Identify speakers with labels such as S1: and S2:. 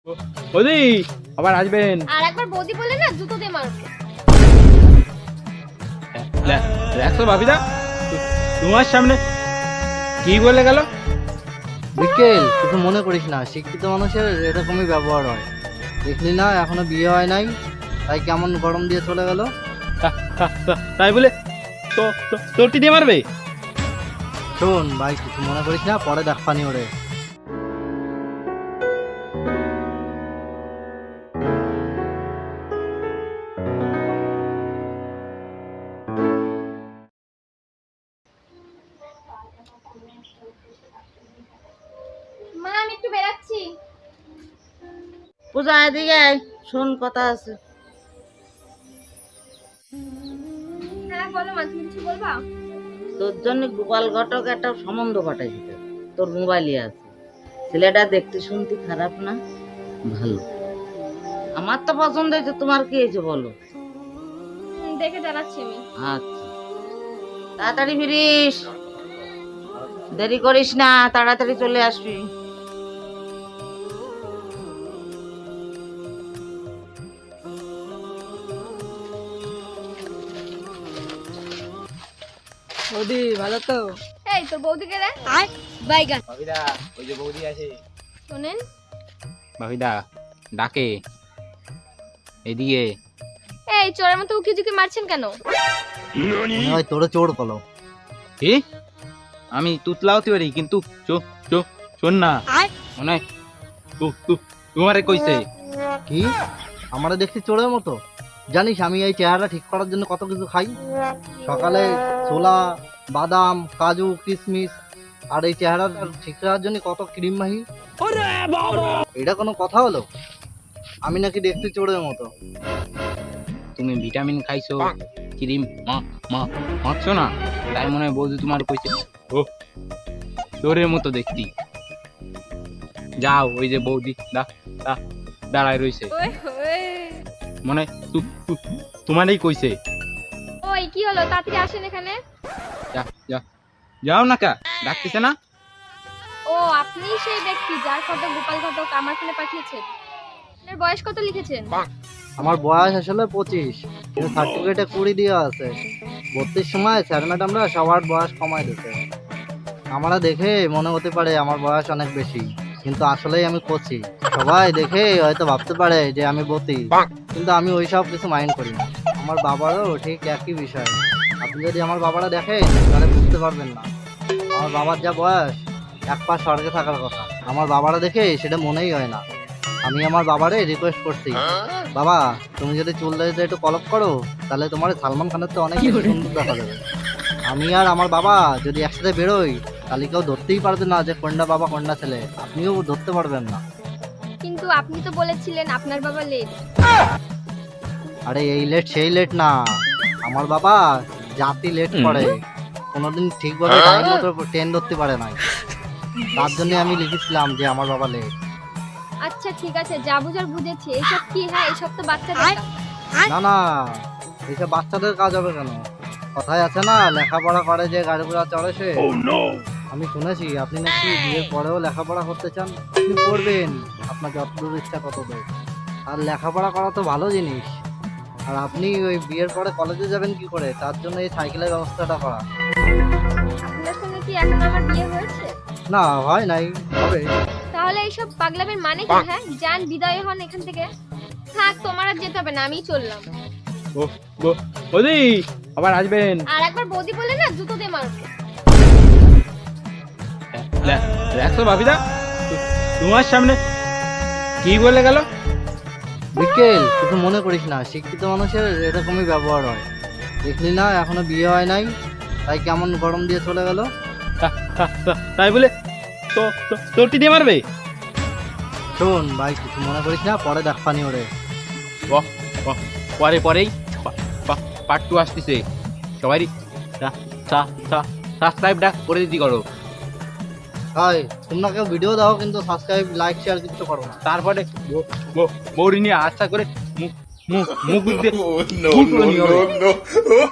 S1: বৌদি আবার আসবেন।
S2: আর একবার বৌদি বলে না জুতো দিয়ে মারবো।
S1: দেখো ভাবিদা তোমার সামনে কি বলে গেল।
S3: বিকেল কিছু মনে করিস না, শিক্ষিত মানুষের এরকমই ব্যবহার হয়। দেখলি না এখনো বিয়ে হয় নাই, তাই কেমন গরম দিয়ে চলে গেল।
S1: তাই বলে তোরটি দিয়ে মারবে?
S3: শোন ভাই, কিছু মনে করিস না, পরে দেখ পানি ওরে।
S2: মা আমি একটু বেরাচ্ছি।
S4: পূজা এদিকে আয়, শোন কথা আছে।
S2: হ্যাঁ বলো মা, তুমি কিছু বলবা?
S4: তোর জন্য গোপাল ঘটক একটা সম্বন্ধ ঘটাইছে, তোর মোবাইলে আছে। ছেলেটা দেখতে শুনতে খারাপ না, ভালো। আমার তো পছন্দ হয়েছে, তোমার কি হয়েছে বলো?
S2: দেখে জানাচ্ছি আমি।
S4: আচ্ছা তাড়াতাড়ি ফিরিস, দেরি করিস না, তাড়াতাড়ি চলে আসবি।
S5: বৌদি ভালো তো?
S2: এই তোর বৌদিকে রে আয় বাইগা।
S1: ভাবিদা ওই যে বৌদি আছে।
S2: শুনেন
S1: ভাবিদা ডাকে এদিকে।
S2: এই চোরের মতো উকি ঝুঁকি মারছেন কেন?
S3: মনে হয় তোরে চোর কলো।
S1: কি? আমি তুতলা হতে পারি কিন্তু শোন না, মনে হয় তোমারে কইছে।
S3: কি আমারে দেখছি চোরের মতো? জানিস আমি এই চেহারা ঠিক করার জন্য কত কিছু খাই। সকালে ছোলা, বাদাম, কাজু, কিশমিশ, আর এই চেহারা ঠিক করার জন্য কত ক্রিম মাহি। এটা কোনো কথা হলো? আমি নাকি দেখতে চোরের মতো?
S1: তুমি ভিটামিন খাইছো, ক্রিম মাখছো না, তাই মনে হয় বৌদি তোমার কইছে ও তোরের মতো দেখতি। যাও ওই যে বৌদি দাঁড়ায় রইছে, মনে হয় তোমারই কইছে।
S2: ওই কি হলো, তাড়াতাড়ি আসেন এখানে।
S1: যাও না কা ডাকতেছে না?
S2: ও আপনি সেই ব্যক্তি যার ফটো গোপাল ঘটক আমার ফোনে পাঠিয়েছেন। আপনার বয়স কত লিখেছেন?
S3: আমার বয়স আসলে 25, কিন্তু সার্টিফিকেটে 20 দেওয়া আছে। 32 সময় স্যার ম্যাডামরা সবার বয়স কমায় দিতে। আমরা দেখে মনে হতে পারে আমার বয়স অনেক বেশি, কিন্তু আসলেই আমি কচি। সবাই দেখে হয়তো ভাবতে পারে যে আমি বতি, কিন্তু আমি ওইসব কিছু মাইন্ড করি না। আমার বাবারও ঠিক একই বিষয়। আপনি যদি আমার বাবারা দেখেন তাহলে বুঝতে পারবেন না। আমার বাবার যা বয়স, এক পা স্বর্গে থাকার কথা। আমার বাবারা দেখে সেটা মনেই হয় না। আমি আমার বাবারে রিকোয়েস্ট করছি, বাবা তুমি যদি চুল দাড়িতে একটু কলপ করো তাহলে তোমার সালমান খানের তো অনেক সুন্দর দেখা যাবে। আমি আর আমার বাবা যদি একসাথে বেরোই তাহলে কেউ ধরতেই পারবে না যে কোনটা বাবা কোনটা ছেলে। আপনিও ধরতে পারবেন না।
S2: কিন্তু আপনি তো বলেছিলেন আপনার বাবা লেট।
S3: আরে এই লেট সেই লেট না, আমার বাবা জাতি লেট করে, কোনোদিন ঠিকভাবে টাইম মতো ট্রেন ধরতে পারে না। তার জন্য আমি লিখেছিলাম যে আমার বাবা লেট।
S2: আচ্ছা ঠিক আছে, যা বুঝার বুঝেছি। এইসব কি? হ্যাঁ এইসব তো বাচ্চাদের কাজ।
S3: না না, এইসব বাচ্চাদের কাজ হবে কেন? কথায় আছে না, লেখাপড়া করে যে গাড়ি ঘোড়া চড়ে সে। আমি শুনেছি আপনি নাকি বিয়ের পরেও লেখাপড়া করতে চান। আপনি করবেন, আপনার যতদূর ইচ্ছা ততদূর। আর লেখাপড়া করা তো ভালো জিনিস। আর আপনি ওই বিয়ের পরে কলেজে যাবেন কি করে, তার জন্য এই সাইকেলের ব্যবস্থাটা করা।
S2: আপনার সঙ্গে কি এখন আমার বিয়ে হয়েছে?
S3: না হয় নাই, হবে।
S2: তাহলে এইসব পাগলামের মানে কি? হ্যাঁ যান, বিদায় হন এখান থেকে। থাক, তোমার আর যেতে হবে না, আমি চললাম।
S1: বৌদি আবার আসবেন।
S2: আর একবার বৌদি বলে না জুতো দিয়ে মারবো।
S1: দেখো ভাবিদা তোমার সামনে কি বলে গেল।
S3: বিকেল কিছু মনে করিস না, শিক্ষিত মানুষের এরকমই ব্যবহার হয়। দেখলি না এখনো বিয়ে হয় নাই, তাই কেমন গরম দিয়ে চলে গেল।
S1: তাই বলে তোরটি দিয়ে মারবে?
S3: শোন ভাই, কিছু মনে করিস না, পরে দেখ পানি ওরে।
S1: পরেই পার্ট 2 আসতেছে। সবাই সাবস্ক্রাইব করে দিতে করো।
S3: হাই, তোমরা কেউ ভিডিও দাও কিন্তু সাবস্ক্রাইব লাইক শেয়ার কিছু করো না।
S1: তারপরে বৌরি নিয়ে আশা করে মুখ দিয়ে